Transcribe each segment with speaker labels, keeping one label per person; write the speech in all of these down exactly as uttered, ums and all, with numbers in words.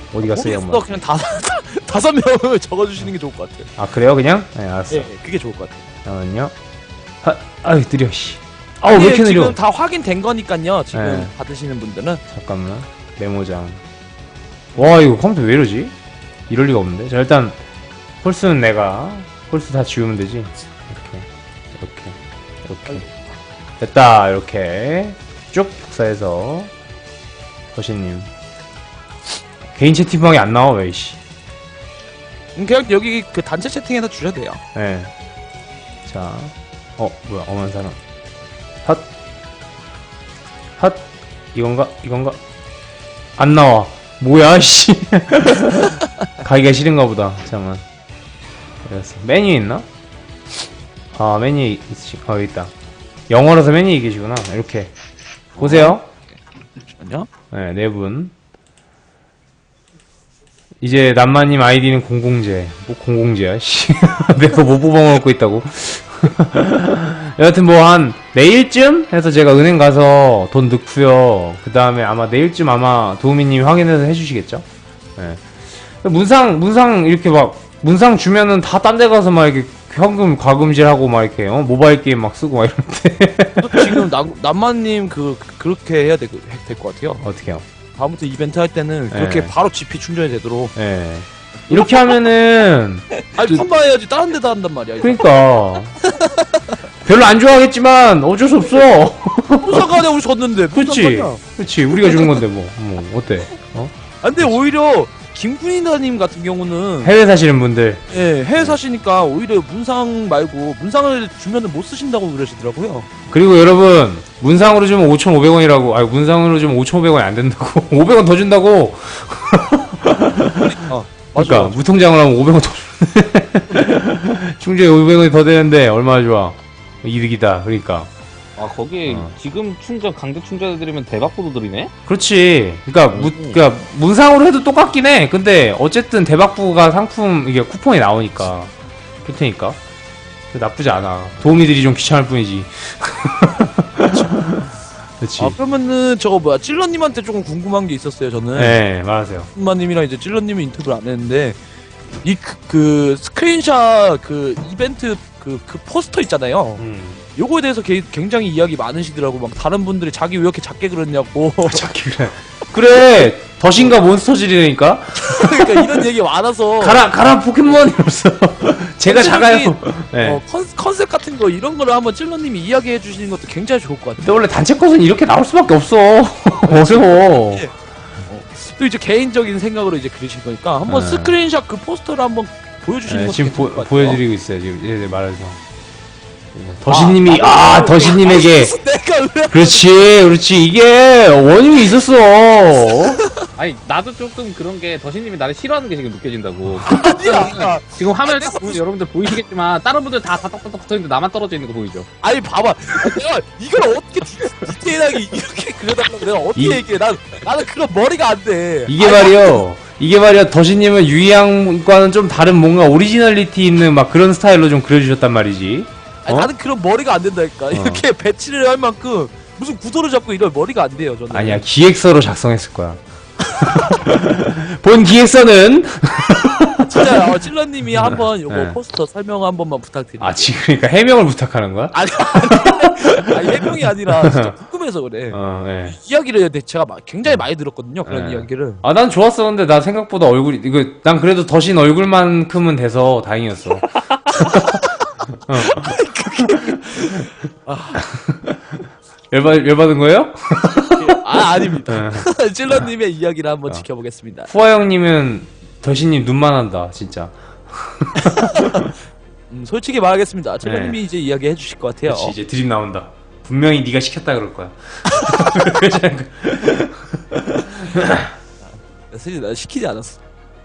Speaker 1: 어디 갔어 이
Speaker 2: 모르겠어.
Speaker 1: 양반?
Speaker 2: 그냥 다섯 다섯 명을 적어주시는 게 좋을 것 같아요.
Speaker 1: 아 그래요 그냥? 네 알았어.
Speaker 2: 예, 그게 좋을 것 같아요.
Speaker 1: 잠깐만요. 하, 아유 느려 씨. 아우 왜 이렇게 느려?
Speaker 2: 지금 다 확인된 거니까요. 지금
Speaker 1: 네.
Speaker 2: 받으시는 분들은
Speaker 1: 잠깐만 메모장. 와 이거 컴퓨터 왜 이러지? 이럴 리가 없는데. 자 일단 홀수는 내가 홀수 다 지우면 되지. 이렇게 이렇게 이렇게 됐다. 이렇게 쭉 복사해서 거시님 개인 채팅방에 안 나와 왜 이씨.
Speaker 2: 음, 그냥 여기 그 단체 채팅에서 주셔도 돼요.
Speaker 1: 예. 자, 어 뭐야 엄한 사람. 핫, 핫 이건가 이건가 안 나와. 뭐야 씨. 가기가 싫은가 보다. 잠깐만. 알았어. 메뉴 있나? 아 메뉴 있지. 어 여기 있다. 영어라서 메뉴 계시구나. 이렇게 보세요.
Speaker 2: 잠시만요.
Speaker 1: 네, 네 분. 이제 남마님 아이디는 공공재. 뭐 공공재야? 씨. 내가 못 뽑아먹고 있다고. 여하튼 뭐 한 내일쯤 해서 제가 은행 가서 돈 넣고요. 그 다음에 아마 내일쯤 아마 도우미님이 확인해서 해주시겠죠? 네. 문상 문상 이렇게 막 문상 주면은 다 딴 데 가서 막 이렇게 현금 과금질하고 막 이렇게 어? 모바일 게임 막 쓰고 막 이런데.
Speaker 2: 지금 남 남만님 그 그렇게 해야 될 것 같아요.
Speaker 1: 어떻게요?
Speaker 2: 다음부터 이벤트 할 때는 그렇게
Speaker 1: 네.
Speaker 2: 바로 지피 충전이 되도록.
Speaker 1: 예. 네. 이렇게 하면은
Speaker 2: 아니 판매해야지 다른 데다 한단 말이야. 이거.
Speaker 1: 그러니까 별로 안 좋아하겠지만 어쩔 수 없어.
Speaker 2: 무슨 상관이야 우리 졌는데. 무슨
Speaker 1: 그렇지,
Speaker 2: 상관이야.
Speaker 1: 그렇지. 우리가 주는 건데 뭐, 뭐 어때? 어?
Speaker 2: 아, 근데 오히려 김군인다님 같은 경우는
Speaker 1: 해외 사시는 분들,
Speaker 2: 예 해외 사시니까 오히려 문상 말고 문상을 주면은 못 쓰신다고 그러시더라고요.
Speaker 1: 그리고 여러분 문상으로 주면 오천오백 원이라고. 아니 문상으로 주면 오천오백 원이 안 된다고. 오백 원 더 준다고.
Speaker 2: 어,
Speaker 1: 그러니까
Speaker 2: 맞아, 맞아.
Speaker 1: 무통장을 하면 오백 원 더 주는데 충전이 오백 원이 더 되는데 얼마나 좋아. 이득이다. 그러니까.
Speaker 3: 아 거기
Speaker 1: 어.
Speaker 3: 지금 충전 강제 충전해드리면 대박 보도들이네?
Speaker 1: 그렇지. 그러니까 무, 그러니까 문상으로 해도 똑같긴 해. 근데 어쨌든 대박부가 상품 이게 쿠폰이 나오니까 그렇다니까 나쁘지 않아. 도우미들이 좀 귀찮을 뿐이지. 그렇지.
Speaker 2: 아 그러면은 저거 뭐야 찔러님한테 조금 궁금한 게 있었어요 저는.
Speaker 1: 네, 말하세요.
Speaker 2: 엄마님이랑 이제 찔러님이 인터뷰를 안 했는데 이 그 그 스크린샷 그 이벤트 그 그 포스터 있잖아요.
Speaker 1: 음.
Speaker 2: 요거에 대해서 게, 굉장히 이야기 많으시더라고. 막 다른 분들이 자기 왜 이렇게 작게 그렸냐고.
Speaker 1: 자기 그래. 그래. 더신가 몬스터질이니까.
Speaker 2: 그러니까 이런 얘기 많아서.
Speaker 1: 가라 가라 포켓몬 이러면서. 제가 작아요. 네.
Speaker 2: 어, 컨, 컨셉 같은 거 이런 거를 한번 찔러님이 이야기해 주시는 것도 굉장히 좋을 것 같아요.
Speaker 1: 근데 원래 단체 컷은 이렇게 나올 수밖에 없어. 어려워.
Speaker 2: 또 이제 개인적인 생각으로 이제 그리신 거니까 한번
Speaker 1: 네.
Speaker 2: 스크린샷 그 포스터를 한번 보여주시는
Speaker 1: 네,
Speaker 2: 것도
Speaker 1: 지금 보,
Speaker 2: 괜찮을 것 같아요.
Speaker 1: 보여드리고 있어요. 지금 얘들 말해서. 더신님이 아, 아 더신님에게
Speaker 2: 내가 왜
Speaker 1: 그렇지 그렇지 이게 원인이 있었어.
Speaker 3: 아니 나도 조금 그런 게 더신님이 나를 싫어하는 게 지금 느껴진다고.
Speaker 2: 아니야.
Speaker 3: 지금 화면을 딱 보면 여러분들 보이시겠지만 다른 분들 다 다딱딱딱 붙어있는데 나만 떨어져 있는 거 보이죠?
Speaker 2: 아니 봐봐. 내가 이걸 어떻게 디, 디테일하게 이렇게 그려달라고 내가 어떻게
Speaker 1: 이-
Speaker 2: 얘기해? 난 나는 그런 머리가 안 돼.
Speaker 1: 이게
Speaker 2: 아니,
Speaker 1: 말이요. 이게 말이야. 더신님은 유이양과는 좀 다른 뭔가 오리지널리티 있는 막 그런 스타일로 좀 그려주셨단 말이지.
Speaker 2: 아니,
Speaker 1: 어?
Speaker 2: 나는 그런 머리가 안 된다니까. 이렇게 배치를 할 만큼 무슨 구도를 잡고 이런 머리가 안 돼요. 저는.
Speaker 1: 아니야 기획서로 작성했을 거야. 본 기획서는
Speaker 2: 진짜 어, 찔러님이 한번 요거
Speaker 1: 네.
Speaker 2: 포스터 설명 한 번만 부탁드립니다.
Speaker 1: 아 지금 그러니까 해명을 부탁하는 거야?
Speaker 2: 아니 아니, 아니 해명이 아니라 진짜 궁금해서 그래.
Speaker 1: 어, 예.
Speaker 2: 이야기를 제가 막 굉장히 많이 들었거든요. 그런
Speaker 1: 네.
Speaker 2: 이야기를.
Speaker 1: 아, 난 좋았어. 근데 나 생각보다 얼굴이, 이거, 난 그래도 더신 얼굴만큼은 돼서 다행이었어. 어. 열받, 열받은 거예요?
Speaker 2: 아 아닙니다.
Speaker 1: 네.
Speaker 2: 찔러님의 이야기를 한번
Speaker 1: 어.
Speaker 2: 지켜보겠습니다.
Speaker 1: 후아 형님은 더신님 눈만 한다, 진짜.
Speaker 2: 음, 솔직히 말하겠습니다. 찔러님이
Speaker 1: 네.
Speaker 2: 이제 이야기해 주실 것 같아요.
Speaker 1: 그렇지, 이제 드립 나온다. 분명히 네가 시켰다 그럴 거야.
Speaker 2: 사실 나 시키지 않았어.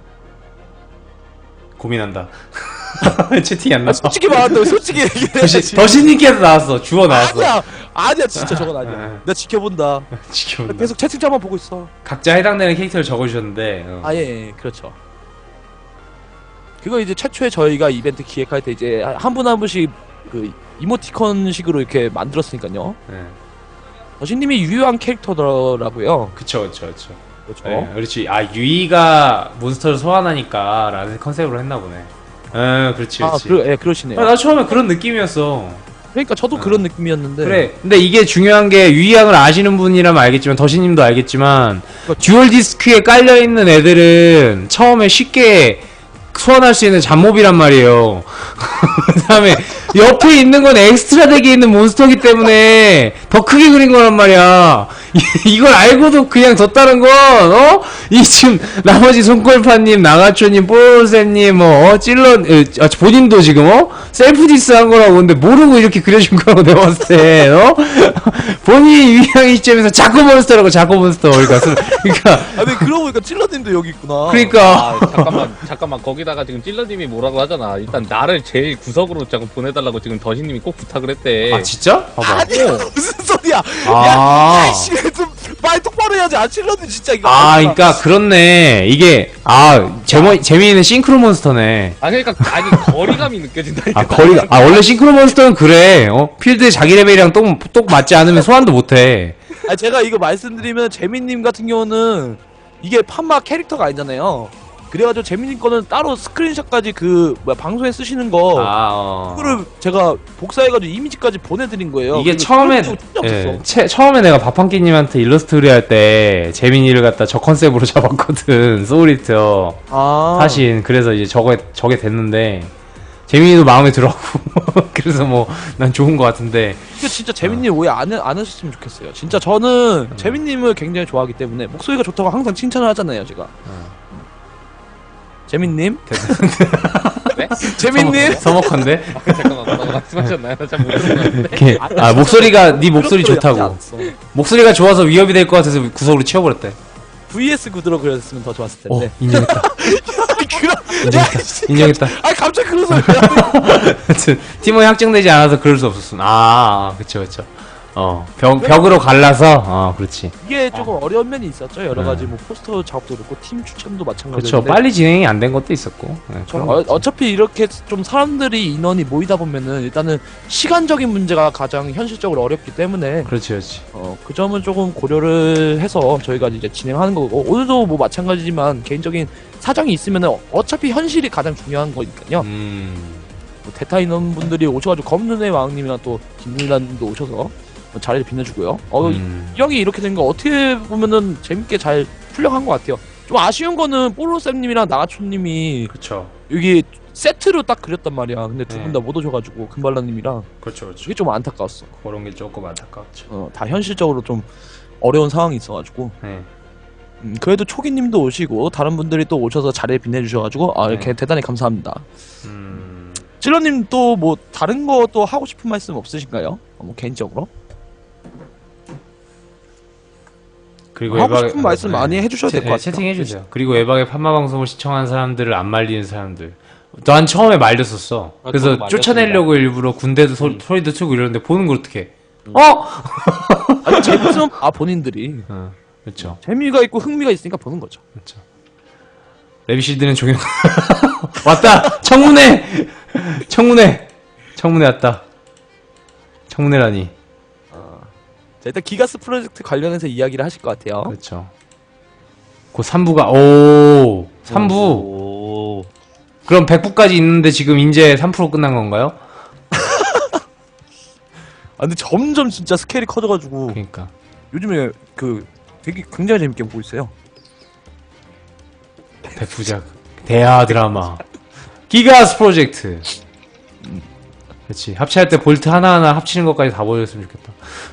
Speaker 1: 고민한다. 채팅이 안 나와.
Speaker 2: 솔직히 말한다고 솔직히 얘기해.
Speaker 1: 더신, 더신님께서 나왔어. 주워 나왔어.
Speaker 2: 아니야 아니야 진짜 저건 아니야.
Speaker 1: 네.
Speaker 2: 나 지켜본다.
Speaker 1: 지켜본다.
Speaker 2: 계속 채팅창만 보고 있어.
Speaker 1: 각자 해당되는 캐릭터를 적어주셨는데. 어.
Speaker 2: 아예 예, 그렇죠. 그거 이제 최초에 저희가 이벤트 기획할 때 이제 한 분 한 분씩 그 이모티콘식으로 이렇게 만들었으니까요.
Speaker 1: 네.
Speaker 2: 더신님이 유효한 캐릭터더라고요.
Speaker 1: 그쵸, 그쵸, 그쵸.
Speaker 2: 그렇죠.
Speaker 1: 네, 그렇지. 아 유이가 몬스터를 소환하니까 라는 컨셉으로 했나 보네. 어, 그렇지,
Speaker 2: 아,
Speaker 1: 그렇지.
Speaker 2: 그러, 예, 그러시네요.
Speaker 1: 아, 나 처음에 그런 느낌이었어.
Speaker 2: 그러니까 저도
Speaker 1: 어.
Speaker 2: 그런 느낌이었는데.
Speaker 1: 그래. 근데 이게 중요한 게 유이양을 아시는 분이라면 알겠지만 더시님도 알겠지만
Speaker 2: 그렇죠.
Speaker 1: 듀얼 디스크에 깔려 있는 애들은 처음에 쉽게 소환할 수 있는 잡몹이란 말이에요. 그다음에 옆에 있는 건 엑스트라 덱에 있는 몬스터기 때문에 더 크게 그린 거란 말이야. 이걸 알고도 그냥 뒀다는 건 어? 이 지금 나머지 손골파님, 나가초님, 뽀로로쌤님, 뭐 어? 찔러 에, 아, 본인도 지금 어? 셀프 디스한 거라고 근데 모르고 이렇게 그려준 거라고 내가 봤을 때 어? 본인이 유의향 시점에서 자꾸 몬스터라고 자꾸 몬스터 그러니까 그러니까
Speaker 2: 아, 근데 그러고 보니까 찔러님도 여기 있구나.
Speaker 1: 그러니까
Speaker 3: 아 잠깐만 잠깐만 거기다가 지금 찔러님이 뭐라고 하잖아. 일단 나를 제일 구석으로 자꾸 보내달라고 지금 더시님이 꼭 부탁을 했대.
Speaker 1: 아 진짜? 봐봐.
Speaker 2: 아니야, 무슨 소리야.
Speaker 1: 아.
Speaker 2: 야, 씨, 좀 말 똑바로 해야지. 아, 찔러님 진짜 이거.
Speaker 1: 아, 그러니까 그렇네. 이게 아 재미 재미있는 싱크로 몬스터네.
Speaker 3: 아 그러니까 아니 거리감이 느껴진다니까.
Speaker 1: 아 거리가 아 원래 싱크로 몬스터는 그래. 어 필드에 자기 레벨이랑 똑, 똑 맞지 않으면 소환도 못해.
Speaker 2: 아, 제가 이거 말씀드리면 재민님 같은 경우는 이게 판마 캐릭터가 아니잖아요. 그래가지고 재민님 거는 따로 스크린샷까지 그 뭐야 방송에 쓰시는 거
Speaker 1: 아 어.
Speaker 2: 그거를 제가 복사해가지고 이미지까지 보내드린 거예요.
Speaker 1: 이게
Speaker 2: 그리고
Speaker 1: 처음에
Speaker 2: 찔러님도 진짜
Speaker 1: 예,
Speaker 2: 없었어.
Speaker 1: 채, 처음에 내가 밥한끼님한테 일러스트 의뢰할 때 재민이를 갖다 저 컨셉으로 잡았거든. 소울리터
Speaker 2: 아,
Speaker 1: 사신. 그래서 이제 저게 저게 됐는데 재민이도 마음에 들었고 그래서 뭐 난 좋은 것 같은데.
Speaker 2: 이게 진짜 재민님 오해 안, 해- 안 하셨으면 좋겠어요. 진짜 저는
Speaker 1: 음.
Speaker 2: 재민님을 굉장히 좋아하기 때문에 목소리가 좋다고 항상 칭찬을 하잖아요, 제가. 재민님?
Speaker 3: 네?
Speaker 2: 재민님?
Speaker 1: 서먹한데?
Speaker 3: 아, 잠깐만 뭐라고 말씀하셨나요? 나 잘 못 들었는데.
Speaker 1: 이렇게 아 목소리가 네 목소리
Speaker 2: 그런 소리 하지
Speaker 1: 좋다고.
Speaker 2: 않았어.
Speaker 1: 목소리가 좋아서 위협이 될 것 같아서 구석으로 치워버렸대.
Speaker 2: 브이에스 구도로 그렸으면 더 좋았을
Speaker 1: 어
Speaker 2: 텐데.
Speaker 1: 인정했다.
Speaker 2: 그런,
Speaker 1: 인정했다.
Speaker 2: 야, 씨.
Speaker 1: 인정했다.
Speaker 2: 아, 갑자기 그런 소리야.
Speaker 1: 하여튼 팀원이 확정되지 않아서 그럴 수 없었어. 아, 그쵸, 그쵸. 어, 벽, 벽으로 갈라서, 어, 그렇지.
Speaker 2: 이게 조금 어려운 면이 있었죠. 여러 가지
Speaker 1: 네.
Speaker 2: 뭐 포스터 작업도 그렇고 팀 추천도
Speaker 1: 그쵸.
Speaker 2: 마찬가지인데.
Speaker 1: 빨리 진행이 안 된 것도 있었고. 네,
Speaker 2: 저,
Speaker 1: 그런
Speaker 2: 어,
Speaker 1: 거죠.
Speaker 2: 어차피 이렇게 좀 사람들이 인원이 모이다 보면은 일단은 시간적인 문제가 가장 현실적으로 어렵기 때문에
Speaker 1: 그렇지, 그렇지.
Speaker 2: 어, 그 점은 조금 고려를 해서 저희가 이제 진행하는 거고 오늘도 뭐 마찬가지지만 개인적인 사정이 있으면은 어차피 현실이 가장 중요한 거니까요.
Speaker 1: 음,
Speaker 2: 뭐 대타 인원분들이 오셔가지고 검눈의 왕님이랑 또 김민란님도 오셔서 뭐 자리를 빛내주고요. 어,
Speaker 1: 음.
Speaker 2: 이왕이 이렇게 된 거 어떻게 보면은 재밌게 잘 풀려간 것 같아요. 좀 아쉬운 거는 뽀로쌤님이랑 나가초님이
Speaker 1: 그쵸.
Speaker 2: 여기 세트로 딱 그렸단 말이야. 근데 두
Speaker 1: 네.
Speaker 2: 분 다 못 오셔가지고 금발라님이랑
Speaker 1: 그렇죠, 그렇죠.
Speaker 2: 그게 좀 안타까웠어.
Speaker 1: 그런 게 조금 안타깝죠.
Speaker 2: 어, 다 현실적으로 좀 어려운 상황이 있어가지고
Speaker 1: 네.
Speaker 2: 음, 그래도 초기님도 오시고 다른 분들이 또 오셔서 자리에 빛내주셔가지고 아 이렇게
Speaker 1: 네.
Speaker 2: 대단히 감사합니다.
Speaker 1: 음,
Speaker 2: 찔러님 또 뭐 다른 거 또 하고 싶은 말씀 없으신가요? 어, 뭐 개인적으로
Speaker 1: 그리고
Speaker 2: 하고
Speaker 1: 외박에-
Speaker 2: 싶은 말씀
Speaker 1: 네.
Speaker 2: 많이 해주셔야
Speaker 1: 채-
Speaker 2: 될 것
Speaker 1: 네,
Speaker 2: 같아요.
Speaker 1: 채팅해주세요. 그리고 외박의 판마 방송을 시청한 사람들을 안 말리는 사람들. 난 처음에 말렸었어.
Speaker 3: 아,
Speaker 1: 그래서
Speaker 3: 저도 말렸습니다.
Speaker 1: 쫓아내려고 일부러 군대도 소, 소리도 치고 이러는데 보는 걸 어떻게?
Speaker 2: 음.
Speaker 1: 어?
Speaker 2: 아니 재밌으면 아 본인들이
Speaker 1: 어, 그렇죠.
Speaker 2: 재미가 있고 흥미가 있으니까 보는 거죠.
Speaker 1: 그렇죠. 레비실드는 종영. 왔다. 청문회. 청문회. 청문회 왔다. 청문회라니.
Speaker 2: 자, 일단 기가스 프로젝트 관련해서 이야기를 하실 것 같아요.
Speaker 1: 그렇죠. 그 삼 부가 오 삼 부.
Speaker 2: 오.
Speaker 1: 그럼 백 부까지 있는데 지금 이제 삼 프로 끝난 건가요?
Speaker 2: 아 근데 점점 진짜 스케일이 커져가지고
Speaker 1: 그러니까.
Speaker 2: 요즘에 그 되게 굉장히 재밌게 보고 있어요.
Speaker 1: 백부작 대하 드라마 기가스 프로젝트. 그렇지. 합체할 때 볼트 하나하나 합치는 것까지 다 보여줬으면 좋겠다.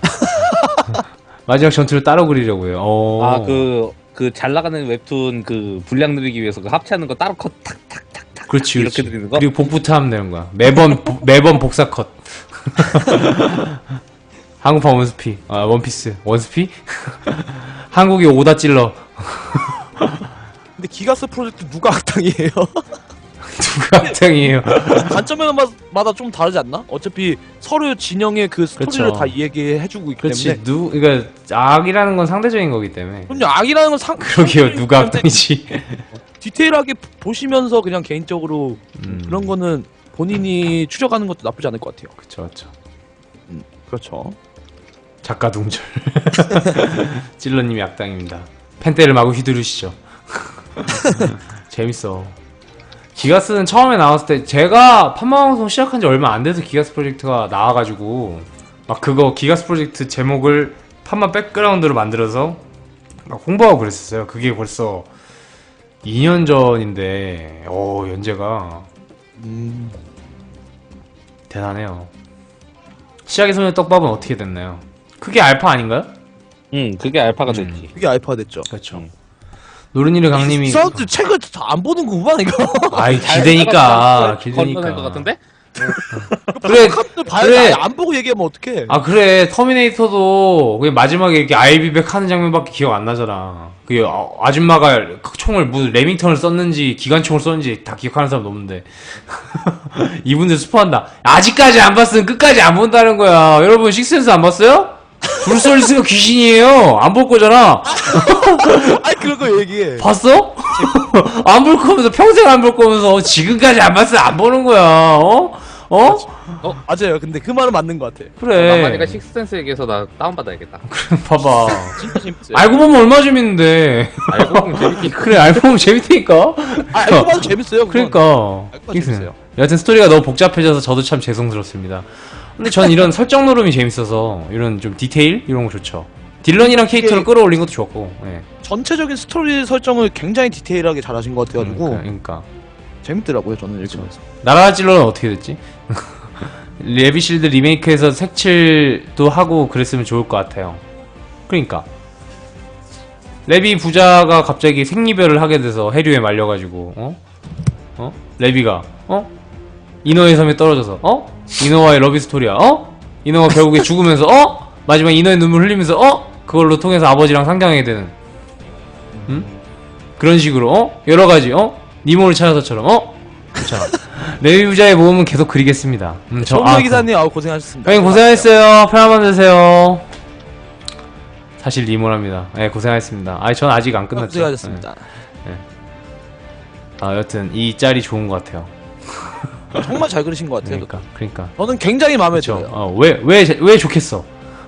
Speaker 1: 마지막 전투를 따로 그리려고요. 어.
Speaker 3: 아 그 그 잘 나가는 웹툰 그 분량 늘리기 위해서 그 합체하는 거 따로 컷 탁탁탁탁
Speaker 1: 그렇지,
Speaker 3: 이렇게
Speaker 1: 그렇지.
Speaker 3: 드리는 거?
Speaker 1: 그리고 복부터 하면 되는 거야. 매번 보- 매번 복사 컷. 한국판 원스피. 아 원피스 원스피? 한국이 오다 찔러.
Speaker 2: 근데 기가스 프로젝트 누가 악당이에요?
Speaker 1: 누가 악당이에요?
Speaker 2: 관점마다 좀 다르지 않나? 어차피 서로 진영의 그 스토리를
Speaker 1: 그쵸.
Speaker 2: 다 얘기해주고 있기
Speaker 1: 그렇지.
Speaker 2: 때문에
Speaker 1: 누 그러니까 악이라는 건 상대적인 거기 때문에.
Speaker 2: 그럼요 악이라는 건 상,
Speaker 1: 그러게요.
Speaker 2: 상대적이기
Speaker 1: 누가
Speaker 2: 때문에
Speaker 1: 악당이지?
Speaker 2: 디테일하게 보시면서 그냥 개인적으로
Speaker 1: 음.
Speaker 2: 그런 거는 본인이 추적하는 것도 나쁘지 않을 것 같아요.
Speaker 1: 그쵸, 그쵸.
Speaker 2: 그렇죠.
Speaker 1: 작가 동절. 찔러님이 악당입니다. 펜대를 마구 휘두르시죠. 재밌어. 기가스는 처음에 나왔을 때 제가 판마방송 시작한 지 얼마 안 돼서 기가스 프로젝트가 나와가지고 막 그거 기가스 프로젝트 제목을 판마 백그라운드로 만들어서 막 홍보하고 그랬었어요. 그게 벌써 이 년 전인데 오 연재가
Speaker 2: 음.
Speaker 1: 대단해요. 시작의 소녀 떡밥은 어떻게 됐나요? 그게 알파 아닌가요?
Speaker 3: 응, 그게 알파가
Speaker 1: 음.
Speaker 3: 됐지.
Speaker 2: 그게 알파가 됐죠.
Speaker 1: 그렇죠.
Speaker 3: 음.
Speaker 1: 노른이를 강님이
Speaker 2: 이 사람들 책을 다 안 보는구만 이거.
Speaker 1: 아이 기대니까
Speaker 3: 건너될 것
Speaker 1: 기대니까
Speaker 3: 같은데?
Speaker 1: 그래
Speaker 2: 또 봐야
Speaker 1: 그래.
Speaker 2: 돼. 안 보고 얘기하면 어떡해.
Speaker 1: 아 그래 터미네이터도 그게 마지막에 이렇게 아이비백 하는 장면밖에 기억 안 나잖아. 그 아, 아줌마가 총을 무슨 레밍턴을 썼는지 기관총을 썼는지 다 기억하는 사람 없는데 이분들 스포한다. 아직까지 안 봤으면 끝까지 안 본다는 거야. 여러분 식센스 안 봤어요? 브루스 윌리스가 귀신이에요. 안 볼 거잖아.
Speaker 2: 아니 그런 거 얘기해.
Speaker 1: 봤어? 안 볼 거면서 평생 안 볼 거면서 지금까지 안 봤으면 안 보는 거야. 어? 어?
Speaker 2: 맞아요. 근데 그 말은 맞는 것 같아.
Speaker 1: 그래.
Speaker 3: 만만이가 식스센스 얘기해서 나 다운받아야겠다.
Speaker 1: 봐봐.
Speaker 2: 진짜 재밌어요.
Speaker 1: 알고 보면 얼마 재밌는데.
Speaker 3: 알고 보면 재밌긴
Speaker 1: 그래 알고 보면 재밌다니까.
Speaker 2: 아, 알고 봐도 재밌어요. 그건.
Speaker 1: 그러니까.
Speaker 2: 알고 봐도 재밌어요.
Speaker 1: 여하튼 스토리가 너무 복잡해져서 저도 참 죄송스럽습니다. 근데 전 이런 설정 노름이 재밌어서 이런 좀 디테일 이런 거 좋죠. 딜런이랑 캐릭터를
Speaker 2: 이게-
Speaker 1: 끌어올린 것도 좋았고. 예.
Speaker 2: 전체적인 스토리 설정을 굉장히 디테일하게 잘하신 것 같아가지고
Speaker 1: 그러니까, 그러니까.
Speaker 2: 재밌더라고요. 저는 읽으면서.
Speaker 1: 나라 찔러는 어떻게 됐지? 레비실드 리메이크에서 색칠도 하고 그랬으면 좋을 것 같아요. 그러니까 레비 부자가 갑자기 생리별을 하게 돼서 해류에 말려가지고 어? 어? 레비가 어? 이너의 섬에 떨어져서 어? 이너와의 러비스토리야 어? 이너가 결국에 죽으면서 어? 마지막 이너의 눈물 흘리면서 어? 그걸로 통해서 아버지랑 상경하게 되는 응? 그런 식으로 어? 여러가지 어? 니모를 찾아서처럼 어? 그렇잖아. 레비 부자의 모험은 계속 그리겠습니다. 음, 저,
Speaker 2: 정모
Speaker 1: 아,
Speaker 2: 기사님 아우 고생하셨습니다.
Speaker 1: 형님 고생하셨어요. 편한 밤 되세요. 사실 리모랍니다. 예, 네, 고생하셨습니다. 아니, 전 아직 안 끝났죠.
Speaker 2: 고생하셨습니다.
Speaker 1: 예. 아, 여튼 이 짤이 좋은 것 같아요.
Speaker 2: 정말 잘 그리신 것 같아요.
Speaker 1: 그러니까, 그러니까.
Speaker 2: 저는 굉장히 마음에
Speaker 1: 그렇죠.
Speaker 2: 들어요.
Speaker 1: 어, 왜, 왜, 왜 좋겠어?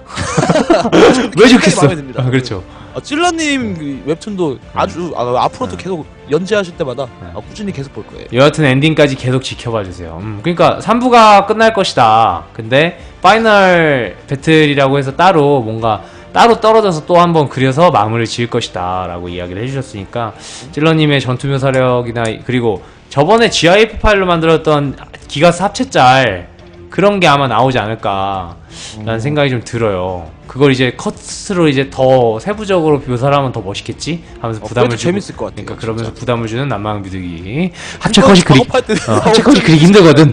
Speaker 1: 왜 좋겠어?
Speaker 2: 마음에 듭니다.
Speaker 1: 아, 그렇죠.
Speaker 2: 아, 찔러님 그 웹툰도 아주 아, 앞으로도
Speaker 1: 네.
Speaker 2: 계속 연재하실 때마다
Speaker 1: 네.
Speaker 2: 아, 꾸준히 계속 볼 거예요.
Speaker 1: 여하튼 엔딩까지 계속 지켜봐 주세요. 음, 그러니까 삼 부가 끝날 것이다. 근데 파이널 배틀이라고 해서 따로 뭔가 따로 떨어져서 또 한번 그려서 마무리를 지을 것이다 라고 이야기를 해주셨으니까 찔러님의 전투 묘사력이나 그리고 저번에 지아이에프 파일로 만들었던 기가스 합체짤 그런 게 아마 나오지 않을까 라는 생각이 좀 들어요. 그걸 이제 컷으로 이제 더 세부적으로 묘사를 하면 더 멋있겠지? 하면서
Speaker 2: 어,
Speaker 1: 부담을
Speaker 2: 그래도
Speaker 1: 주고
Speaker 2: 재밌을 것 같아요.
Speaker 1: 그러니까 그러면서
Speaker 2: 진짜.
Speaker 1: 부담을 주는 난망 비둘기 합체 컷이 그리
Speaker 2: 작업할 때
Speaker 1: 어, 합체 컷이 그리기 힘들거든.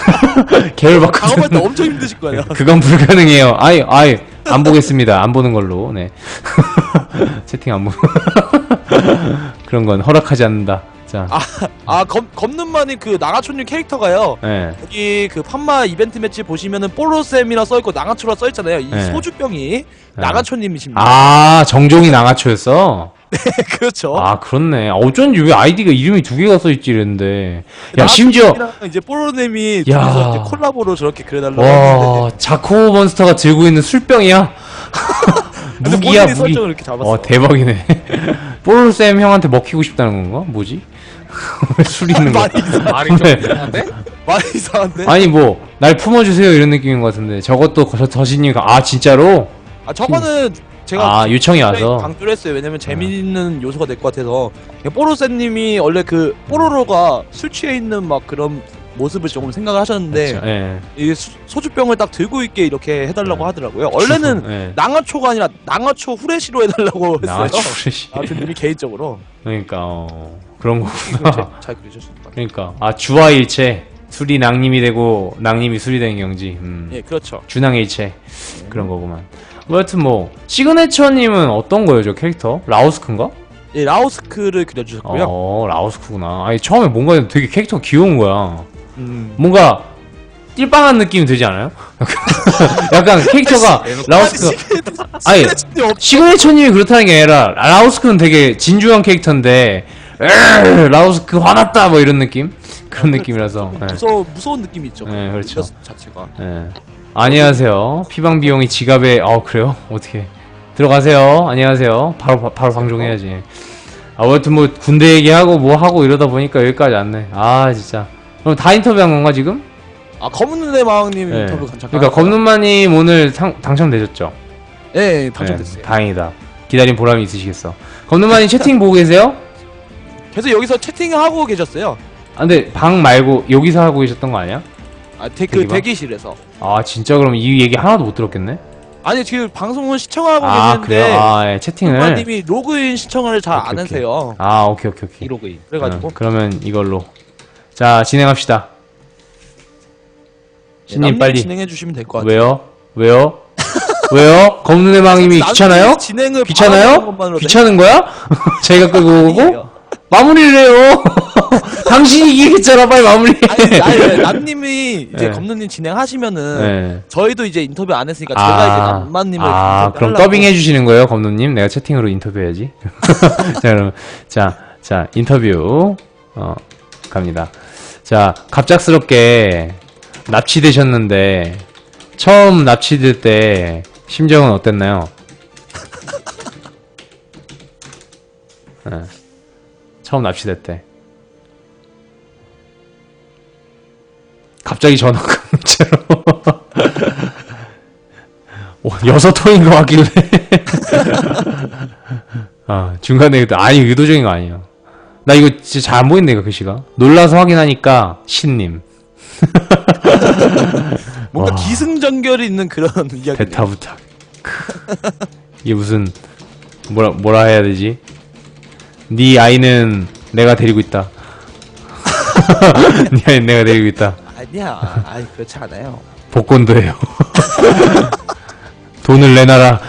Speaker 1: 계열
Speaker 2: 작업할 때
Speaker 1: 바꾸는
Speaker 2: 엄청 힘드실 거예요.
Speaker 1: 그건 불가능해요. 아이 아이 안 보겠습니다. 안 보는 걸로. 네. 채팅 안 보고 그런 건 허락하지 않는다. 자,
Speaker 2: 아 검, 검눈만이 그 나가초님 캐릭터가요.
Speaker 1: 네.
Speaker 2: 여기 그 판마 이벤트 매치 보시면은 뽀로쌤이라 써있고 나가초라 써있잖아요. 이
Speaker 1: 네.
Speaker 2: 소주병이 나가초님이십니다.
Speaker 1: 아 정종이 나가초였어.
Speaker 2: 그렇죠.
Speaker 1: 아 그렇네. 어쩐지 왜 아이디가 이름이 두 개가 써있지 이랬는데. 야 심지어
Speaker 2: 나가초님이랑 이제 뽀로님이
Speaker 1: 야.
Speaker 2: 둘이서 이제 콜라보로 저렇게 그려달라고 했는데
Speaker 1: 와 자코 몬스터가 들고 있는 술병이야.
Speaker 2: 근데
Speaker 1: 무기야
Speaker 2: 본인이
Speaker 1: 무기.
Speaker 2: 설정을 이렇게 잡았어.
Speaker 1: 어 대박이네. 뽀로쌤 형한테 먹히고 싶다는 건가? 뭐지? 왜 술 있는 거야?
Speaker 2: 많이 이상-
Speaker 3: 말이 좀
Speaker 1: 네.
Speaker 3: 이상한데?
Speaker 2: 많이 이상한데?
Speaker 1: 아니 뭐 날 품어주세요 이런 느낌인 것 같은데 저것도 저 저신이가 아 진짜로?
Speaker 2: 아 저거는 제가
Speaker 1: 아 요청이 와서
Speaker 2: 강조를 했어요. 왜냐면 재미있는 요소가 될 것 같아서. 뽀로쌤님이 원래 그 뽀로로가 술 취해 있는 막 그런 모습을 조금 생각을 하셨는데
Speaker 1: 그렇죠. 예.
Speaker 2: 이 수- 소주병을 딱 들고 있게 이렇게 해달라고
Speaker 1: 네.
Speaker 2: 하더라고요. 원래는
Speaker 1: 예.
Speaker 2: 낭어초가 아니라 낭어초 후레쉬로 해달라고 했어요.
Speaker 1: 나가초 프레시.
Speaker 2: 아무튼 님이 개인적으로
Speaker 1: 그러니까 어, 그런
Speaker 2: 잘,
Speaker 1: 거구나.
Speaker 2: 잘 그려주셨습니다.
Speaker 1: 그러니까 아 주화일체 술이 낭님이 되고 낭님이 술이 되는 경지. 음.
Speaker 2: 예, 그렇죠.
Speaker 1: 준항일체 그런 거구만. 뭐 여튼 뭐 시그네처님은 어떤 거예요 저 캐릭터? 라오스크인가?
Speaker 2: 예, 라오스크를 그려주셨고요.
Speaker 1: 어 라오스크구나. 아니 처음에 뭔가 되게 캐릭터가 귀여운 거야.
Speaker 2: 음.
Speaker 1: 뭔가 띨빵한 느낌이 들지 않아요? 약간 캐릭터가 라오스크 아니 시그네처님이 그렇다는 게 아니라 라오스크는 되게 진중한 캐릭터인데 에이, 라오스크 화났다 뭐 이런 느낌? 그런 느낌이라서 예.
Speaker 2: 무서 무서운 느낌이 있죠.
Speaker 1: 네, 그렇죠.
Speaker 2: 그 자체가.
Speaker 1: 예. 안녕하세요. 피방 비용이 지갑에 어 그래요? 어떻게 들어가세요. 안녕하세요. 바로 바, 바로 방송해야지. 아, 아무튼 뭐 군대 얘기하고 뭐 하고 이러다 보니까 여기까지 왔네. 아 진짜. 그럼 다 인터뷰한 건가 지금?
Speaker 2: 아 검은 눈의 마왕님
Speaker 1: 네.
Speaker 2: 인터뷰 잠깐.
Speaker 1: 그러니까 검눈마님 오늘 상, 당첨되셨죠?
Speaker 2: 예, 네, 당첨됐어요.
Speaker 1: 네, 다행이다. 기다린 보람이 있으시겠어. 검눈마님 채팅 보고 계세요?
Speaker 2: 계속 여기서 채팅하고 계셨어요.
Speaker 1: 아 근데 방 말고 여기서 하고 계셨던 거 아니야?
Speaker 2: 아, 대, 그
Speaker 1: 대기방?
Speaker 2: 대기실에서.
Speaker 1: 아 진짜 그럼 이 얘기 하나도 못 들었겠네?
Speaker 2: 아니 지금 방송을 시청하고
Speaker 1: 아 그래요?
Speaker 2: 계시는데
Speaker 1: 아 예, 채팅을.
Speaker 2: 님이 로그인 시청을 잘 안
Speaker 1: 오케이, 오케이.
Speaker 2: 하세요.
Speaker 1: 아 오케이 오케이 오케이.
Speaker 3: 이로그인.
Speaker 2: 그래가지고
Speaker 1: 어, 그러면 이걸로 자 진행합시다. 신님
Speaker 2: 남님이
Speaker 1: 빨리.
Speaker 2: 진행해 주시면 될 것 같아요.
Speaker 1: 왜요? 왜요? 왜요? 검눈의 망님이
Speaker 2: 남님이
Speaker 1: 귀찮아요?
Speaker 2: 진행을
Speaker 1: 귀찮아요?
Speaker 2: 바라보는 것만으로도
Speaker 1: 귀찮은 거야? 제가 끌고 오고
Speaker 2: 아니에요.
Speaker 1: 마무리를 해요. 당신이 이기겠잖아. 빨리 마무리해.
Speaker 2: 아니, 아니, 남님이 이제
Speaker 1: 네.
Speaker 2: 검느님 진행하시면은
Speaker 1: 네.
Speaker 2: 저희도 이제 인터뷰 안 했으니까 제가 이제 남만님을
Speaker 1: 아, 그럼
Speaker 2: 인터뷰하려고.
Speaker 1: 더빙 해주시는 거예요, 검노님? 내가 채팅으로 인터뷰해야지. 자, 그럼, 자, 자, 인터뷰, 어, 갑니다. 자, 갑작스럽게 납치되셨는데, 처음 납치될 때, 심정은 어땠나요? 네. 처음 납치될 때. 갑자기 전화가 문자로. 오, 여섯 통인 거 같길래. 아, 중간에, 의도- 아니, 의도적인 거 아니에요. 나 이거 진짜 잘 안 보이는데, 이거 글씨가. 놀라서 확인하니까, 신님.
Speaker 2: 뭔가
Speaker 1: 와.
Speaker 2: 기승전결이 있는 그런 이야기.
Speaker 1: 대타 부탁. 이게 무슨, 뭐라, 뭐라 해야 되지? 네 아이는 내가 데리고 있다. 네 아이는 내가 데리고 있다.
Speaker 2: 아니야, 아니 그렇지 않아요.
Speaker 1: 복권도 해요. 돈을 내놔라.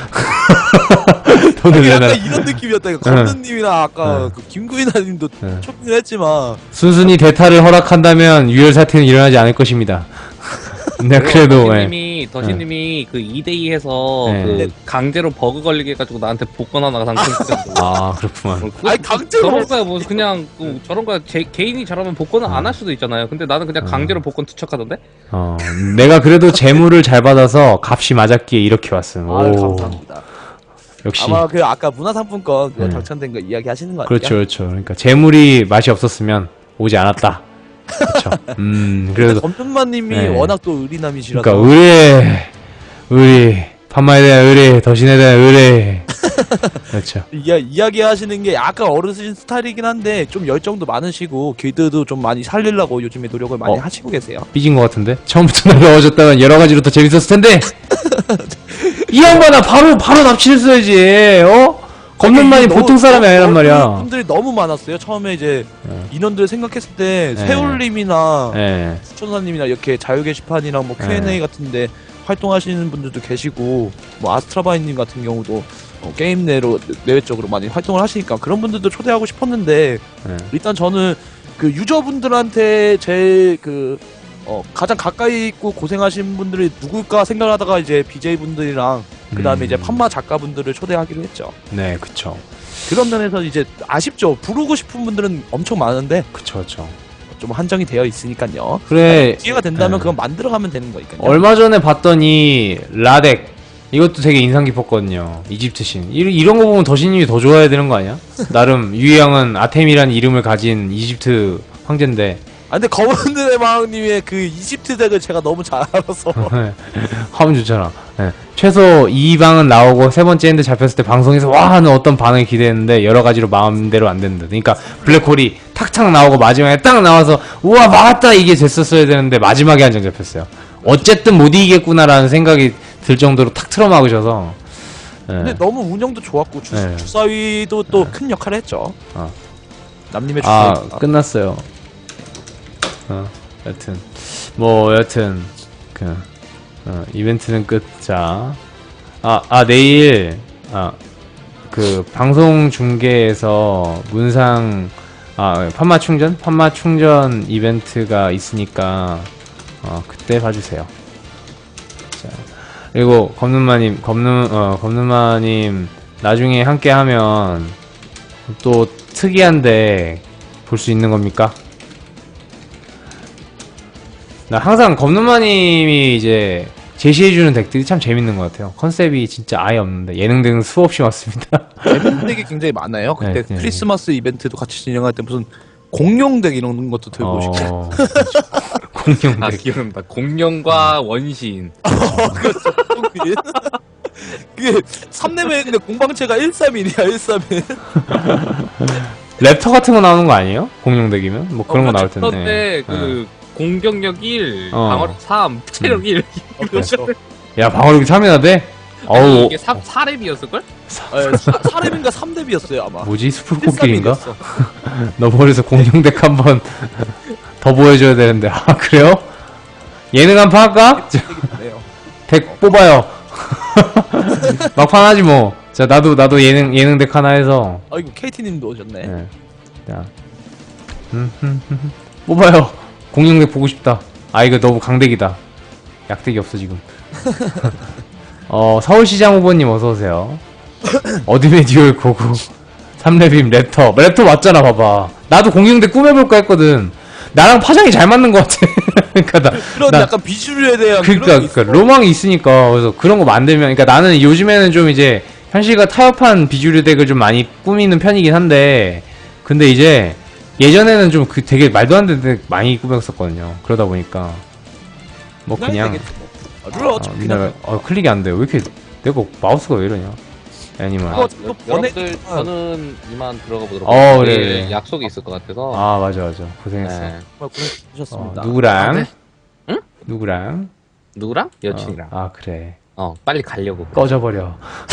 Speaker 1: 돈을
Speaker 2: 아니,
Speaker 1: 내놔라.
Speaker 2: 약간 이런 느낌이었다. 이거 검느님이나 아까 그 김구인아님도
Speaker 1: 응.
Speaker 2: 초빙을 했지만
Speaker 1: 순순히 대타를 허락한다면 유혈 사태는 일어나지 않을 것입니다. 내가 그래도 예.
Speaker 3: 더신님이 더신님이 그 이 대 이 해서
Speaker 1: 네.
Speaker 3: 그 강제로 버그 걸리게 해가지고 나한테 복권 하나 당첨됐어.
Speaker 1: 아 그렇구만.
Speaker 2: 아니, 강제로
Speaker 3: 저런 거야 뭐 그냥 그 저런 거야 제, 개인이 잘하면 복권은 안 할 수도 있잖아요. 근데 나는 그냥 강제로 복권 투척하던데.
Speaker 1: 어, 내가 그래도 재물을 잘 받아서 값이 맞았기에 이렇게 왔음.
Speaker 2: 아
Speaker 1: 오,
Speaker 2: 감사합니다.
Speaker 1: 역시.
Speaker 2: 아마 그 아까 문화상품권 그거
Speaker 1: 네.
Speaker 2: 당첨된 거 이야기 하시는 거 아니에요?
Speaker 1: 그렇죠, 그렇죠. 그러니까 재물이 맛이 없었으면 오지 않았다. 그렇죠. 음, 그래도
Speaker 2: 검준마님이
Speaker 1: 네.
Speaker 2: 워낙 또 의리남이시라서
Speaker 1: 그러니까 의뢰, 의리, 판마에 대한 의뢰, 더신에 대한 의뢰. 그렇죠.
Speaker 2: 이야, 이야기하시는 게 약간 어르신 스타일이긴 한데 좀 열정도 많으시고 길드도 좀 많이 살리려고 요즘에 노력을 많이
Speaker 1: 어.
Speaker 2: 하시고 계세요.
Speaker 1: 삐진 것 같은데? 처음부터 날라와줬다면 여러 가지로 더 재밌었을 텐데! 이 양반아, 바로, 바로 납치했어야지, 어? 겁는만이
Speaker 2: 이게
Speaker 1: 보통
Speaker 2: 너무-
Speaker 1: 사람이 아니란
Speaker 2: 너무
Speaker 1: 말이야.
Speaker 2: 분들이 너무 많았어요. 처음에 이제
Speaker 1: 네.
Speaker 2: 인원들 생각했을 때
Speaker 1: 네.
Speaker 2: 세울님이나
Speaker 1: 예.
Speaker 2: 수천사님이나 이렇게 자유 게시판이랑 뭐 큐 앤 에이
Speaker 1: 네.
Speaker 2: 같은데 활동하시는 분들도 계시고 뭐 아스트라바이님 같은 경우도 어, 게임 내로 내외적으로 많이 활동을 하시니까 그런 분들도 초대하고 싶었는데
Speaker 1: 예.
Speaker 2: 일단 저는 그 유저분들한테 제일 그 어, 가장 가까이 있고 고생하신 분들이 누굴까 생각하다가 이제 비제이 분들이랑 그 다음에
Speaker 1: 음.
Speaker 2: 이제 판마 작가분들을 초대하기로 했죠.
Speaker 1: 네, 그쵸.
Speaker 2: 그런 면에서 이제 아쉽죠. 부르고 싶은 분들은 엄청 많은데
Speaker 1: 그쵸, 그쵸.
Speaker 2: 좀 한정이 되어 있으니까요.
Speaker 1: 그래,
Speaker 2: 기회가 된다면
Speaker 1: 네.
Speaker 2: 그건 만들어가면 되는 거니까요.
Speaker 1: 얼마 전에 봤더니, 라덱. 이것도 되게 인상 깊었거든요. 이집트 신. 이, 이런 거 보면 더신님이 더 좋아해야 되는 거 아니야? 나름, 유희양은 아템이라는 이름을 가진 이집트 황제인데,
Speaker 2: 아 근데 검은들의 마왕님의 그 이집트 덱을 제가 너무 잘 알아서
Speaker 1: 하면 좋잖아. 예. 최소 이 방은 나오고 세 번째 엔드 잡혔을 때 방송에서 와 하는 어떤 반응을 기대했는데 여러 가지로 마음대로 안 된다. 그러니까 블랙홀이 탁탁 나오고 마지막에 딱 나와서 우와 막았다 이게 됐었어야 되는데 마지막에 한 장 잡혔어요. 어쨌든 못 이기겠구나라는 생각이 들 정도로 탁 틀어 막으셔서. 예.
Speaker 2: 근데 너무 운영도 좋았고 주,
Speaker 1: 네.
Speaker 2: 주사위도 또 큰 역할을 했죠.
Speaker 1: 어.
Speaker 2: 남님의
Speaker 1: 아
Speaker 2: 주사위.
Speaker 1: 끝났어요. 어 여튼 뭐 여튼 그 어, 이벤트는 끝. 자, 아, 아 내일 아 그 방송 중계에서 문상 아 판마 충전 판마 충전 이벤트가 있으니까 어 그때 봐주세요. 자 그리고 검눈마님 검눈 어 검눈마님 나중에 함께 하면 또 특이한데 볼 수 있는 겁니까? 나 항상 검눈마님이 이제 제시해주는 덱들이 참 재밌는 것 같아요. 컨셉이 진짜 아예 없는데 예능 등은 수없이 많습니다.
Speaker 2: 재밌는 덱이 굉장히 많아요. 그때
Speaker 1: 네, 네.
Speaker 2: 크리스마스 이벤트도 같이 진행할 때 무슨 공룡 덱 이런 것도 들고 오시고.
Speaker 1: 어, 공룡
Speaker 3: 아
Speaker 1: 덱.
Speaker 3: 기억난다. 공룡과 원시인.
Speaker 2: 그게 그게 삼 레벨인데 공방체가 일삼일이야 일삼일.
Speaker 1: 랩터 같은 거 나오는 거 아니에요? 공룡 덱이면 뭐 그런 거 나올 텐데.
Speaker 3: 그런데 그 공격력 일,
Speaker 1: 어.
Speaker 3: 방어력 삼, 체력 일.
Speaker 1: 야 방어력이 삼이나 돼?
Speaker 3: 아니,
Speaker 1: 어우
Speaker 3: 이게 사, 사 렙이었을걸?
Speaker 2: 사 렙인가 삼 렙이었어요 아마.
Speaker 1: 뭐지 스프 코끼리인가?
Speaker 2: 일삼일이었어.
Speaker 1: 너 머리에서 공룡 덱 한번 더 보여줘야 되는데 아 그래요? 예능 한 판 할까?
Speaker 2: 네요.
Speaker 1: 덱 뽑아요. 막판 하지 뭐. 자 나도 나도 예능 예능 덱 하나 해서.
Speaker 2: 아이고 케이티님도 오셨네.
Speaker 1: 네. 자 음, 음, 음. 뽑아요. 공룡 덱 보고 싶다. 아 이거 너무 강덱이다. 약덱이 없어 지금. 어 서울시장 후보님 어서 오세요. 어둠의 듀얼 고고. 삼 렙임 랩터. 랩터 맞잖아 봐봐. 나도 공룡 덱 꾸며볼까 했거든. 나랑 파장이 잘 맞는 것 같아. 그러니까 나
Speaker 2: 그런
Speaker 1: 나-
Speaker 2: 약간 비주류에 대한
Speaker 1: 그러니까,
Speaker 2: 그런 게
Speaker 1: 그러니까
Speaker 2: 있어.
Speaker 1: 로망이 있으니까 그래서 그런 거 만들면 그러니까 나는 요즘에는 좀 이제 현실과 타협한 비주류 덱을 좀 많이 꾸미는 편이긴 한데 근데 이제 예전에는 좀 그 되게 말도 안 되는 덱 많이 꾸몄었거든요. 그러다 보니까 뭐 그냥
Speaker 2: 되겠지, 뭐. 아, 룰 어차피
Speaker 1: 어,
Speaker 2: 그냥
Speaker 1: 그냥 어, 클릭이 안 돼. 왜 이렇게 내가 마우스가 왜 이러냐? 애니멀.
Speaker 2: 어,
Speaker 3: 아,
Speaker 2: 또
Speaker 3: 여러분들
Speaker 2: 보내-
Speaker 3: 저는 이만 들어가 보도록
Speaker 1: 어,
Speaker 3: 하겠습니다.
Speaker 1: 그래,
Speaker 3: 내일
Speaker 1: 그래.
Speaker 3: 약속이 있을 것 같아서.
Speaker 1: 아 맞아 맞아 고생했어.
Speaker 3: 네.
Speaker 2: 정말 고생하셨습니다.
Speaker 1: 어, 누구랑?
Speaker 3: 아, 네. 응?
Speaker 1: 누구랑?
Speaker 3: 누구랑? 여친이랑.
Speaker 1: 어, 아 그래.
Speaker 3: 어, 빨리 가려고.
Speaker 1: 꺼져버려.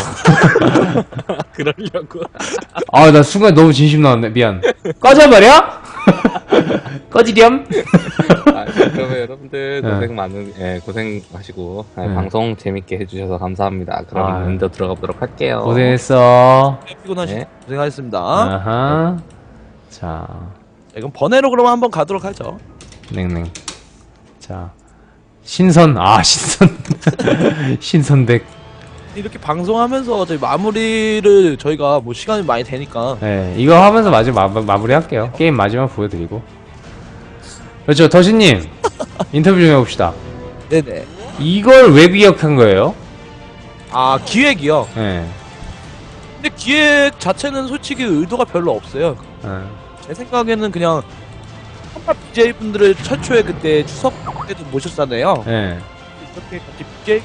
Speaker 3: 그러려고.
Speaker 1: 아 나 순간 너무 진심 나왔네. 미안. 꺼져버려? 꺼지렴?
Speaker 3: 아, 그러면 여러분들
Speaker 1: 네.
Speaker 3: 고생 많은, 예, 고생하시고, 예,
Speaker 1: 네.
Speaker 3: 방송 재밌게 해주셔서 감사합니다. 그럼
Speaker 1: 아.
Speaker 3: 먼저 들어가 보도록 할게요.
Speaker 1: 고생했어.
Speaker 2: 피곤하시
Speaker 3: 네.
Speaker 2: 고생하셨습니다.
Speaker 1: 아하. 자,
Speaker 2: 자, 그럼 번외로 그러면 한번 가도록 하죠.
Speaker 1: 냉냉. 자, 신선. 아, 신선. 신선덱.
Speaker 2: 이렇게 방송하면서 저희 마무리를 저희가 뭐 시간이 많이 되니까
Speaker 1: 네, 이거 하면서 마지막 마, 마무리 할게요. 게임 마지막 보여드리고. 그렇죠, 더신님. 인터뷰 좀 해봅시다.
Speaker 2: 네네.
Speaker 1: 이걸 왜 기억한 거예요?
Speaker 2: 아 기획이요.
Speaker 1: 네.
Speaker 2: 근데 기획 자체는 솔직히 의도가 별로 없어요.
Speaker 1: 네.
Speaker 2: 제 생각에는 그냥 한파 비제이 분들을 최초에 그때 추석 때도 모셨잖아요.
Speaker 1: 네.
Speaker 2: 이렇게 같이 비제이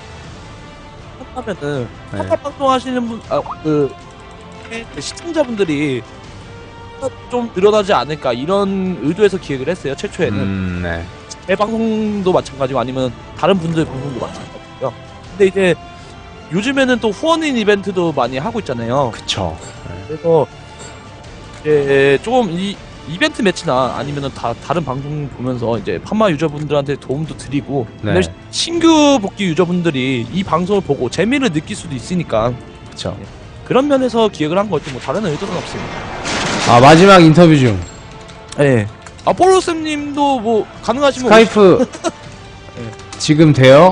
Speaker 2: 하면은
Speaker 1: 네.
Speaker 2: 한파 방송 하시는 분, 아, 그, 그 시청자분들이 좀 늘어나지 않을까 이런 의도에서 기획을 했어요. 최초에는
Speaker 1: 음, 네.
Speaker 2: 제 방송도 마찬가지고 아니면 다른 분들 방송도 마찬가지고요. 근데 이제 요즘에는 또 후원인 이벤트도 많이 하고 있잖아요.
Speaker 1: 그쵸.
Speaker 2: 그래서 이제 조금 이 이벤트 매치나 아니면은 다 다른 방송 보면서 이제 판마 유저분들한테 도움도 드리고
Speaker 1: 네.
Speaker 2: 근데 신규 복귀 유저분들이 이 방송을 보고 재미를 느낄 수도 있으니까
Speaker 1: 그쵸.
Speaker 2: 그런 면에서 기획을 한 거지 뭐 다른 의도는 없습니다.
Speaker 1: 아, 마지막 인터뷰 중.
Speaker 2: 네. 아폴로쌤님도 뭐 가능하시면
Speaker 1: 스카이프 지금 돼요?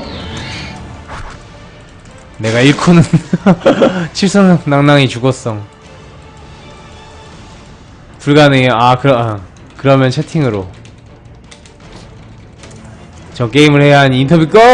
Speaker 1: 내가 잃고는 칠성낭낭이 죽었어. 불가능해요. 아, 그러, 아, 그러면 채팅으로. 저 게임을 해야 하니 인터뷰 고!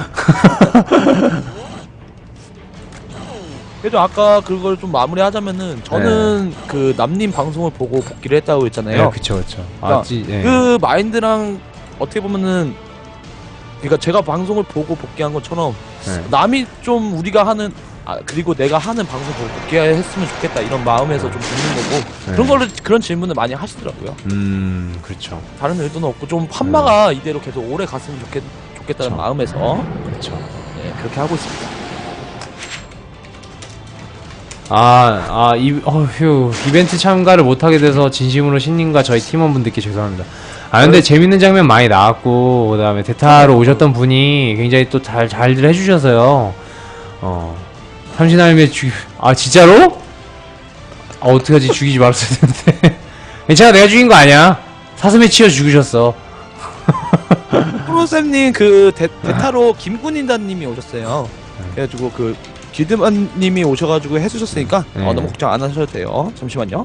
Speaker 2: 그래도 아까 그걸 좀 마무리하자면은 저는 그 남님 방송을 보고 복귀를 했다고 했잖아요.
Speaker 1: 네, 그쵸, 그쵸. 아,
Speaker 2: 그러니까
Speaker 1: 찌, 예.
Speaker 2: 그 마인드랑 어떻게 보면은 그러니까 제가 방송을 보고 복귀한 것처럼
Speaker 1: 네.
Speaker 2: 남이 좀 우리가 하는 아 그리고 내가 하는 방송 보고 복귀했으면 좋겠다 이런 마음에서 좀 듣는 거고
Speaker 1: 네.
Speaker 2: 그런 거를 그런 질문을 많이 하시더라고요.
Speaker 1: 음, 그렇죠.
Speaker 2: 다른 의도는 없고 좀 판마가 이대로 계속 오래 갔으면 좋겠 좋겠다는
Speaker 1: 그쵸.
Speaker 2: 마음에서
Speaker 1: 그렇죠.
Speaker 2: 네, 그렇게 하고 있습니다.
Speaker 1: 아, 아, 이, 어휴, 이벤트 참가를 못하게 돼서 진심으로 신님과 저희 팀원분들께 죄송합니다. 아, 근데 재밌는 장면 많이 나왔고, 그 다음에 대타로 오셨던 분이 굉장히 또 잘, 잘들 해주셔서요. 어, 삼신할매 죽, 아, 진짜로? 아, 어떡하지, 죽이지 말았어야 되는데. 괜찮아, 내가 죽인 거 아니야. 사슴에 치여 죽으셨어.
Speaker 2: 프로쌤님 그 대, 대타로 김군인단님이 오셨어요. 그래가지고 그 길드만님이 오셔가지고 해주셨으니까
Speaker 1: 네.
Speaker 2: 어, 너무 걱정 안 하셔도 돼요. 잠시만요.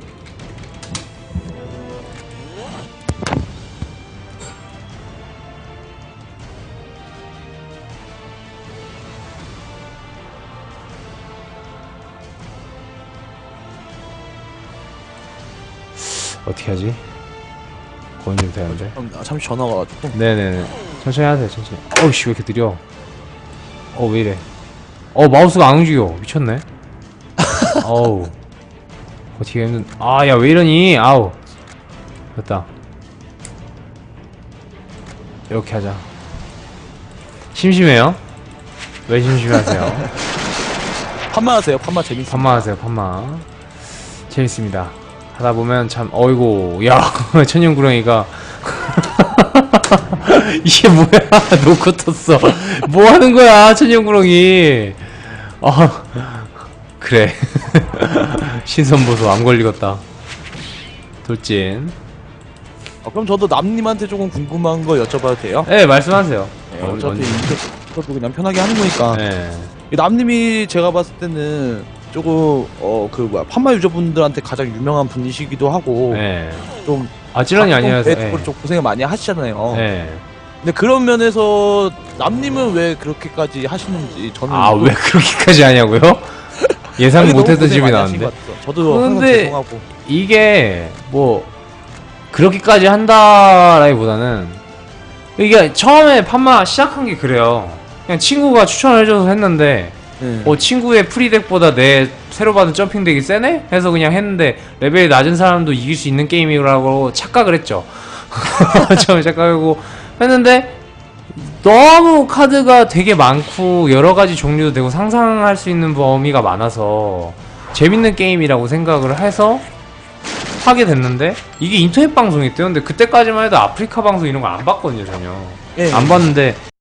Speaker 1: 어떻게 하지? 거는 되는데.
Speaker 2: 형, 아, 잠시 전화가 와가지고.
Speaker 1: 네네네. 천천히 하세요, 천천히. 어우씨, 왜 이렇게 느려? 어, 왜 이래? 어, 마우스가 안 움직여. 미쳤네. 어우. 어떻게 힘든, 아, 야, 왜 이러니? 아우. 됐다. 이렇게 하자. 심심해요? 왜 심심하세요?
Speaker 2: 판만 하세요. 판만 재밌어.
Speaker 1: 판마 하세요, 판마. 재밌습니다. 하다 보면 참, 어이구, 야, 천연구렁이가. 이게 뭐야? 놓고 텄어. 뭐 하는 거야, 천연구렁이. 아, 그래. 신선보소 안 걸리겠다. 돌진.
Speaker 2: 어, 그럼 저도 남님한테 조금 궁금한 거 여쭤봐도 돼요?
Speaker 1: 네, 말씀하세요.
Speaker 2: 네,
Speaker 1: 어,
Speaker 2: 어차피
Speaker 1: 언제?
Speaker 2: 이것도 그냥 편하게 하는 거니까.
Speaker 1: 네.
Speaker 2: 이 남님이 제가 봤을 때는 조금 어 그 뭐야 판마 유저분들한테 가장 유명한 분이시기도 하고
Speaker 1: 네.
Speaker 2: 좀
Speaker 1: 아, 찔런이 아니라서.
Speaker 2: 배트볼
Speaker 1: 네.
Speaker 2: 좀 고생을 많이 하시잖아요.
Speaker 1: 네.
Speaker 2: 근데 그런 면에서 남님은 왜 그렇게까지 하시는지 저는
Speaker 1: 아, 왜 그렇게까지 하냐고요? 예상
Speaker 2: 아니, 너무
Speaker 1: 못했던
Speaker 2: 고생
Speaker 1: 집이
Speaker 2: 많이 하신
Speaker 1: 나왔는데.
Speaker 2: 것 같아요. 저도 항상
Speaker 1: 근데-
Speaker 2: 죄송하고.
Speaker 1: 이게 뭐 그렇게까지 한다라기보다는 이게 처음에 판마 시작한 게 그래요. 그냥 친구가 추천을 해줘서 했는데
Speaker 2: 네.
Speaker 1: 어 친구의 프리덱보다 내 새로 받은 점핑덱이 세네? 해서 그냥 했는데 레벨이 낮은 사람도 이길 수 있는 게임이라고 착각을 했죠. 처음에 착각하고 했는데 너무 카드가 되게 많고 여러가지 종류도 되고 상상할 수 있는 범위가 많아서 재밌는 게임이라고 생각을 해서 하게 됐는데 이게 인터넷 방송이 있대요. 근데 그때까지만 해도 아프리카 방송 이런 거 안 봤거든요, 전혀.
Speaker 2: 예,
Speaker 1: 안 봤는데